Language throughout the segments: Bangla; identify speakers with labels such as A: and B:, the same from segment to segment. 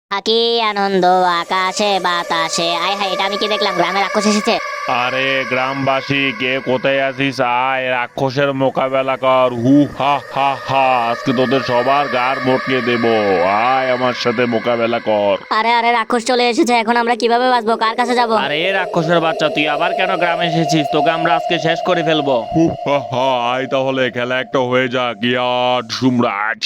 A: কি আনন্দ আকাশে বাতাসে, আয় হায়, এটা আমি কি দেখলাম? গ্রামে রাক্ষস এসেছে।
B: আরে গ্রামবাসী, কে কোথায় আছিস? আয় রাক্ষসের মোকাবেলা কর। হু হা হা হা, আজকে তোদের সবার গাড় মটকে দেব। আয় আমার সাথে মোকাবেলা কর।
A: আরে আরে, রাক্ষস চলে এসেছে, এখন আমরা কিভাবে বাঁচবো? কার কাছে যাব?
C: আরে রাক্ষসের বাচ্চা, তুই আবার কেন গ্রামে এসেছিস? তোকে আমরা আজকে শেষ করে ফেলবো।
B: হু হা হা, আয় তাহলে খেলা একটা হয়ে যাক। ইয়া সম্রাট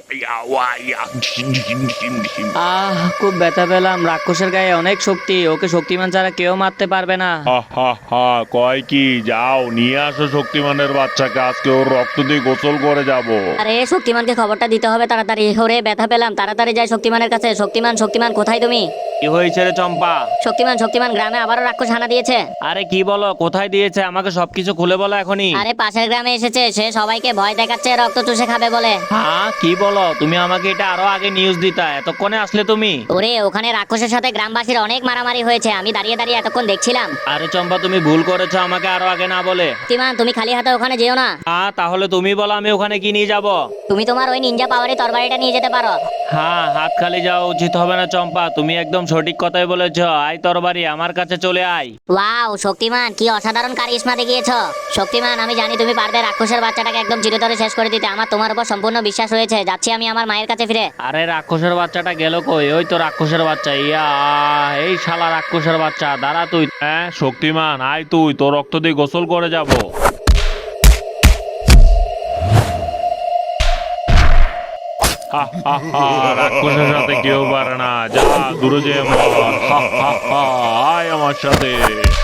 C: খুব ব্যথা পেলাম। রাক্ষসের গায়ে অনেক শক্তি, ওকে শক্তিমান ছাড়া কেউ মারতে পারবে না।
B: হা হা হা, কয় কি, যাও নিয়ে আসো শক্তিমানের বাচ্চাকে, আজকে ওর রক্ত দিয়ে গোসল করে যাব।
A: আরে শক্তিমানকে খবরটা দিতে হবে তাড়াতাড়ি। ওরে ব্যথা পেলাম, তাড়াতাড়ি যাই শক্তিমানের কাছে। শক্তিমান শক্তিমান, কোথায় তুমি?
C: কি হয়েছে রে চম্পা?
A: শক্তিমান শক্তিমান, গ্রামে আবারও রাক্ষস হানা দিয়েছে।
C: আরে কি বলো, কোথায় দিয়েছে? আমাকে সবকিছু খুলে বলো এখনই।
A: আরে পাশের গ্রামে এসেছে, সে সবাইকে ভয় দেখাচ্ছে রক্ত চুষে খাবে বলে।
C: হ্যাঁ কি বলো? তুমি আমাকে এটা আরো আগে নিউজ দিতা, এতক্ষণে আসলে তুমি?
A: ওরে, ওখানে রাক্ষসের সাথে গ্রামবাসীর অনেক মারামারি হয়েছে, আমি দাঁড়িয়ে দাঁড়িয়ে এতক্ষণ দেখছিলাম।
C: আরে চম্পা, তুমি ভুল করেছো, আমাকে আরো আগে না বলে।
A: শক্তিমান, তুমি খালি হাতে ওখানে যেও না।
C: তাহলে তুমি বলো, আমি ওখানে কি নিয়ে যাব?
A: তুমি তোমার ওই নিনজা পাওয়ারে তরবারিটা নিয়ে যেতে পারো।
C: হ্যাঁ, হাত খালি যাওয়া উচিত হবে না চম্পা, তুমি একদম সঠিক কথাই বলেছো। আয় তরবারি, আমার কাছে চলে আয়।
A: ওয়াও শক্তিমান, কি অসাধারণ কারিশমা দেখিয়েছো। শক্তিমান, আমি জানি তুমি পারবে রাক্ষসের বাচ্চাটাকে একদম চিরতরে শেষ করে দিতে। আমার তোমার উপর সম্পূর্ণ বিশ্বাস রয়েছে। যাচ্ছি আমি আমার মায়ের কাছে ফিরে।
C: আরে রাক্ষসের বাচ্চাটা গেল কই? ওই তো রাক্ষসের বাচ্চা। ইয়া, এই শালা রাক্ষসের বাচ্চা, দাঁড়া তুই।
B: হ্যাঁ শক্তিমান, আয় তুই, তোর রক্ত দিয়ে গোসল করে যাব। হা হা হা, রাক্ষসের সাথে কেউ পারে না, যা দূরে যে মর। হা হা হা, আয় আমার সাথে।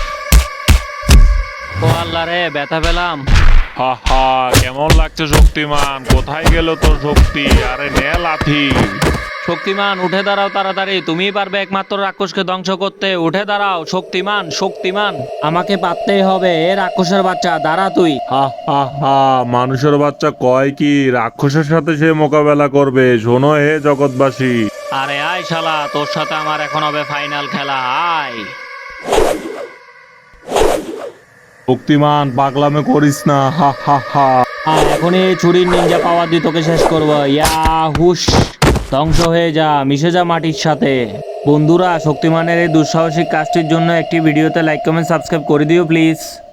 C: ও আল্লাহ রে, ব্যথা পেলাম।
B: হা হা, কেমন লাগছে শক্তিমান? কোথায় গেল তোর শক্তি? আরে নে লাথি।
C: শক্তিমান উঠে দাঁড়াও তাড়াতাড়ি, তুমিই পারবে একমাত্র রাক্ষসকে ধ্বংস করতে। উঠে দাঁড়াও শক্তিমান, শক্তিমান, আমাকে পারতেই হবে। এ রাক্ষসের বাচ্চা, দাঁড়া তুই।
B: হা হা হা, মানুষের বাচ্চা কয় কি, রাক্ষসের সাথে সে মোকাবেলা করবে? শোনো হে জগৎবাসী।
C: আরে আয় শালা, তোর সাথে আমার এখন হবে ফাইনাল খেলা। আয়।
B: শক্তিমান, পাগলামে করিস না। হা হা হা।
C: এখনই এই ছুরির নিনজা পাওয়ার দিয়ে তোকে শেষ করবো। ইয়া হুশ, ধ্বংস হয়ে যা, মিশে যা মাটির সাথে। বন্ধুরা, শক্তিমানের এই দুঃসাহসিক কাজটির জন্য একটি ভিডিওতে লাইক কমেন্ট সাবস্ক্রাইব করে দিও প্লিজ।